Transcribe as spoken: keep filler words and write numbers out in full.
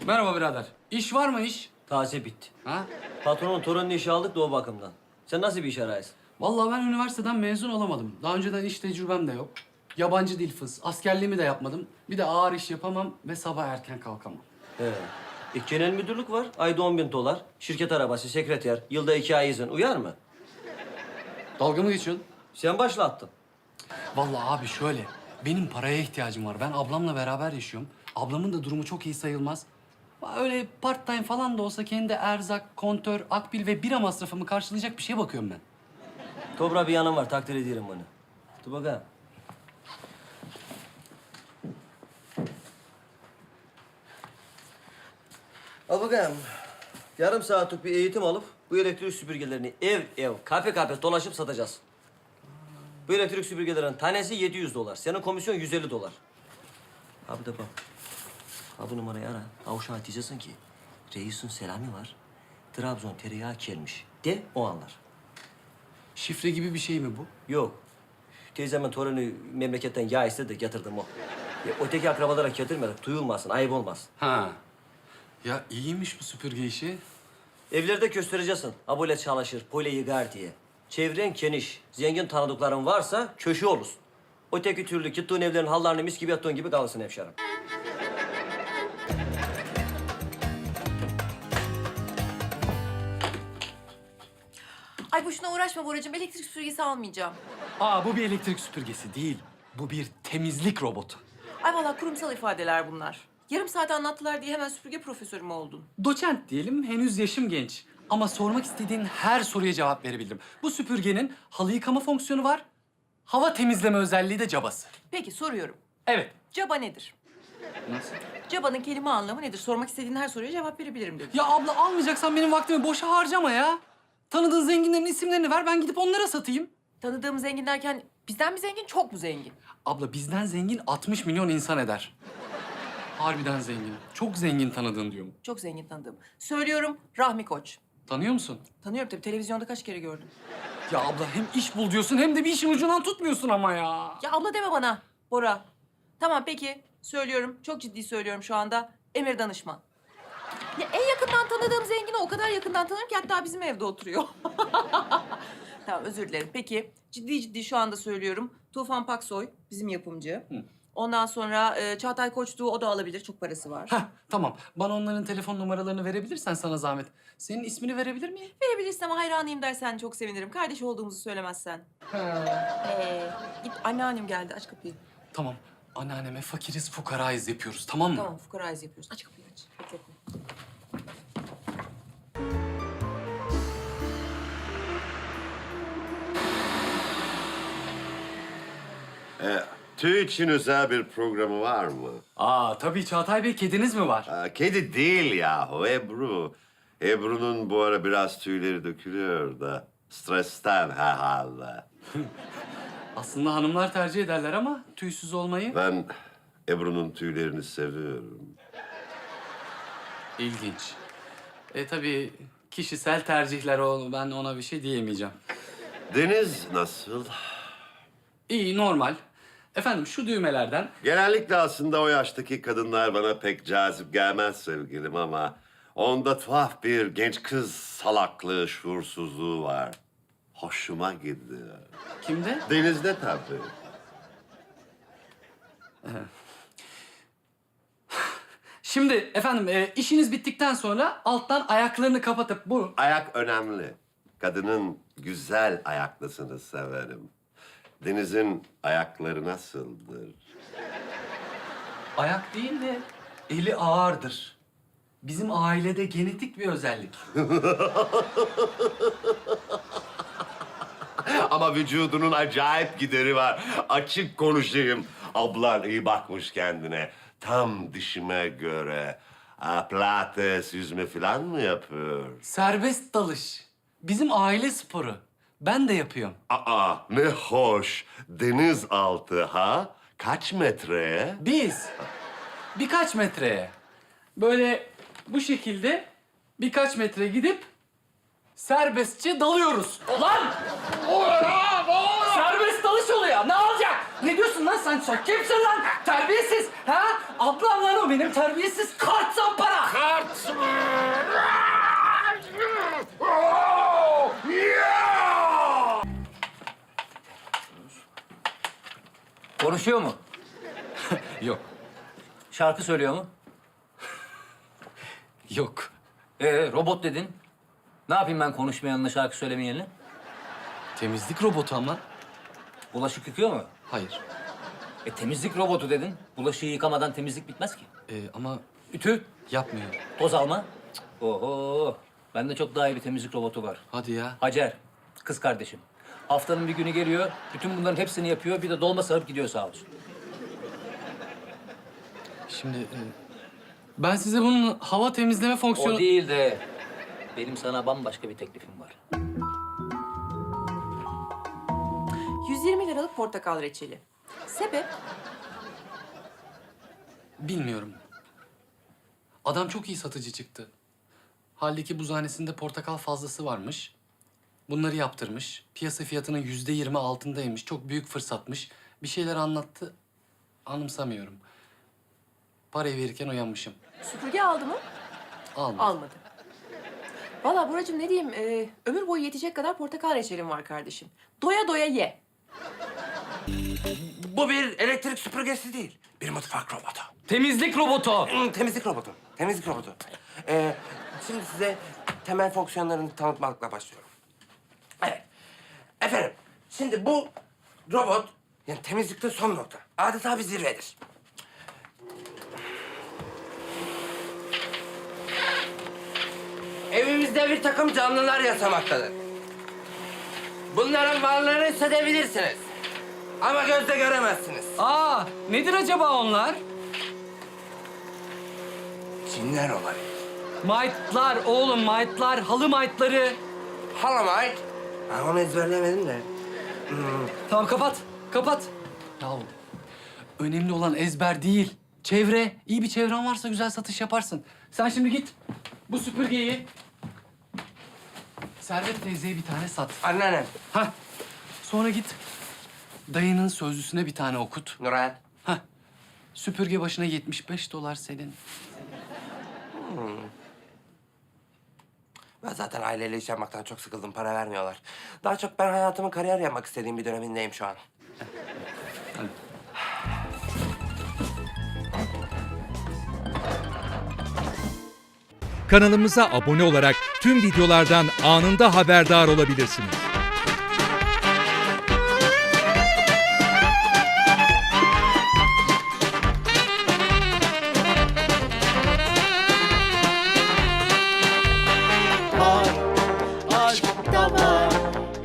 Merhaba birader. İş var mı iş? Taze bitti. Ha? Patronun torununu işe aldık da o bakımdan. Sen nasıl bir iş arayısın? Vallahi ben üniversiteden mezun olamadım. Daha önceden iş tecrübem de yok. Yabancı dil fıs, askerliğimi de yapmadım. Bir de ağır iş yapamam ve sabah erken kalkamam. He. İlk genel müdürlük var. Ayda on bin dolar. Şirket arabası, sekreter. Yılda iki ay izin. Uyar mı? Dalga mı geçiyorsun? Sen başlattın. Vallahi abi şöyle, benim paraya ihtiyacım var. Ben ablamla beraber yaşıyorum. Ablamın da durumu çok iyi sayılmaz. Öyle part time falan da olsa kendi erzak, kontör, akbil ve bira masrafımı karşılayacak bir şeye bakıyorum ben. Dobra bir yanım var. Takdir ederim bunu. Dur bakalım. Al bakalım. Yarım saatlik bir eğitim alıp bu elektrik süpürgelerini ev ev, kafe kafe dolaşıp satacağız. Bu elektrik süpürgelerin tanesi yedi yüz dolar. Senin komisyon yüz elli dolar. Ha bir de bak. Ha bu numarayı ara. Ha uşağa diyeceksin ki reisin selamı var. Trabzon tereyağı gelmiş. De o anlar. Şifre gibi bir şey mi bu? Yok. Teyzemin torunu memleketten yağ istedi de getirdim o. Ya, öteki akrabalara getirmedik. Duyulmasın, ayıp olmaz. Ha. Ya iyiymiş bu süpürge işi. Evlerde göstereceksin. Ha böyle çalışır, böyle yıkar diye. Çevren geniş, zengin tanıdıkların varsa köşe olursun. Öteki türlü gittiğin evlerin hallarını mis gibi yattığın gibi kalırsın hemşerim. Ay boşuna uğraşma Boracığım. Elektrik süpürgesi almayacağım. Aa bu bir elektrik süpürgesi değil. Bu bir temizlik robotu. Ay vallahi kurumsal ifadeler bunlar. Yarım saat anlattılar diye hemen süpürge profesörü mü oldun? Doçent diyelim, henüz yaşım genç. Ama sormak istediğin her soruya cevap verebildim. Bu süpürgenin halı yıkama fonksiyonu var. Hava temizleme özelliği de cabası. Peki soruyorum. Evet. Caba nedir? Nasıl? Cabanın kelime anlamı nedir? Sormak istediğin her soruya cevap verebilirim dedim. Ya abla almayacaksan benim vaktimi boşa harcama ya. Tanıdığın zenginlerin isimlerini ver, ben gidip onlara satayım. Tanıdığım zengin derken bizden mi zengin, çok mu zengin? Abla bizden zengin altmış milyon insan eder. Harbiden zengin. Çok zengin tanıdığın diyorum. Çok zengin tanıdığım. Söylüyorum Rahmi Koç. Tanıyor musun? Tanıyorum tabii, televizyonda kaç kere gördüm. Ya abla hem iş bul diyorsun hem de bir işin ucundan tutmuyorsun ama ya. Ya abla deme bana Bora. Tamam peki söylüyorum, çok ciddi söylüyorum şu anda. Emir Danışman. Ya en yakından tanıdığım zengini o kadar yakından tanırım ki hatta bizim evde oturuyor. Tamam özür dilerim. Peki ciddi ciddi şu anda söylüyorum. Tufan Paksoy bizim yapımcı. Hı. Ondan sonra e, Çağatay Koçtuğ, o da alabilir. Çok parası var. Heh, tamam. Bana onların telefon numaralarını verebilirsen sana zahmet. Senin ismini verebilir miyim? Verebilirsin ama hayranıyım dersen çok sevinirim. Kardeş olduğumuzu söylemezsen. Ee, git anneannem geldi. Aç kapıyı. Tamam. Anneanneme fakiriz fukarayız yapıyoruz, tamam mı? Tamam fukarayız yapıyoruz. Aç kapıyı aç. Bekletme. E, tüy için özel bir programı var mı? Aa tabii Çağatay Bey, kediniz mi var? Aa, kedi değil yahu, Ebru. Ebru'nun bu ara biraz tüyleri dökülüyor da stresten herhalde. Aslında hanımlar tercih ederler ama tüysüz olmayı. Ben Ebru'nun tüylerini seviyorum. İlginç. E tabii kişisel tercihler o, ben ona bir şey diyemeyeceğim. Deniz nasıl? İyi, normal. Efendim şu düğmelerden Genellikle aslında o yaştaki kadınlar bana pek cazip gelmez sevgilim ama onda tuhaf bir genç kız salaklığı, şuursuzluğu var. Hoşuma gidiyor. kimde? Denizde tabii. Şimdi efendim e, işiniz bittikten sonra alttan ayaklarını kapatıp bu... Ayak önemli. Kadının güzel ayaklısını severim. Deniz'in ayakları nasıldır? Ayak değil de eli ağırdır. Bizim ailede genetik bir özellik. Ama vücudunun acayip gideri var. Açık konuşayım. Ablan iyi bakmış kendine. Tam dişime göre. Ha, pilates, yüzme falan mı yapıyor? Serbest dalış. Bizim aile sporu. Ben de yapıyorum. Aa, ne hoş. Denizaltı ha? Kaç metreye? Biz birkaç metreye böyle bu şekilde birkaç metre gidip serbestçe dalıyoruz. Lan! Serbest dalış oluyor. Ne olacak? Ne diyorsun lan sen? Sen kimsin lan? Terbiyesiz. Ha? Ablam lan o benim terbiyesiz kart zampara. Konuşuyor mu? Yok. Şarkı söylüyor mu? Yok. Ee, robot dedin. Ne yapayım ben konuşmayanla şarkı söylemeyenle? Temizlik robotu ama. Bulaşık yıkıyor mu? Hayır. E temizlik robotu dedin. Bulaşığı yıkamadan temizlik bitmez ki. Ee, ama Ütü, yapmıyor. toz alma. Cık, oho. Bende çok daha iyi bir temizlik robotu var. Hadi ya. Hacer, kız kardeşim. Haftanın bir günü geliyor, bütün bunların hepsini yapıyor. Bir de dolma sarıp gidiyor sağ olsun. Şimdi e, ben size bunun hava temizleme fonksiyonu... O değil de benim sana bambaşka bir teklifim var. yüz yirmi liralık portakal reçeli. Sebep? Bilmiyorum. Adam çok iyi satıcı çıktı. Halbuki buzhanesinde portakal fazlası varmış. Bunları yaptırmış. Piyasa fiyatının yüzde yirmi altındaymış. Çok büyük fırsatmış. Bir şeyler anlattı. Anımsamıyorum. Parayı verirken uyanmışım. Süpürge aldı mı? Almadı. Almadı. Vallahi Buracığım ne diyeyim, e, ömür boyu yetecek kadar portakal reçelim var kardeşim. Doya doya ye. Bu bir elektrik süpürgesi değil. Bir mutfak robotu. Temizlik robotu. Hmm, temizlik robotu. Temizlik robotu. Ee, şimdi size temel fonksiyonlarını tanıtmakla başlıyorum. Evet. Efendim, şimdi bu robot yani temizlikte son nokta. Adeta bir zirvedir. Evimizde bir takım canlılar yaşamaktadır. Bunların varlığını hissedebilirsiniz. Ama gözle göremezsiniz. Aa, nedir acaba onlar? Cinler olabilir. Maytlar oğlum, maytlar, halı maytları. Halamite. Ben onu ezberleyemedim de. Tamam kapat, kapat. Ya önemli olan ezber değil, çevre. İyi bir çevren varsa güzel satış yaparsın. Sen şimdi git bu süpürgeyi Servet teyzeye bir tane sat. Anneannem. Hah. Sonra git dayının sözlüsüne bir tane okut. Nuray. Hah. Süpürge başına yetmiş beş dolar senin. Ben zaten aileyle iş yapmaktan çok sıkıldım. Para vermiyorlar. Daha çok ben hayatımı kariyer yapmak istediğim bir dönemindeyim şu an. Kanalımıza abone olarak tüm videolardan anında haberdar olabilirsiniz.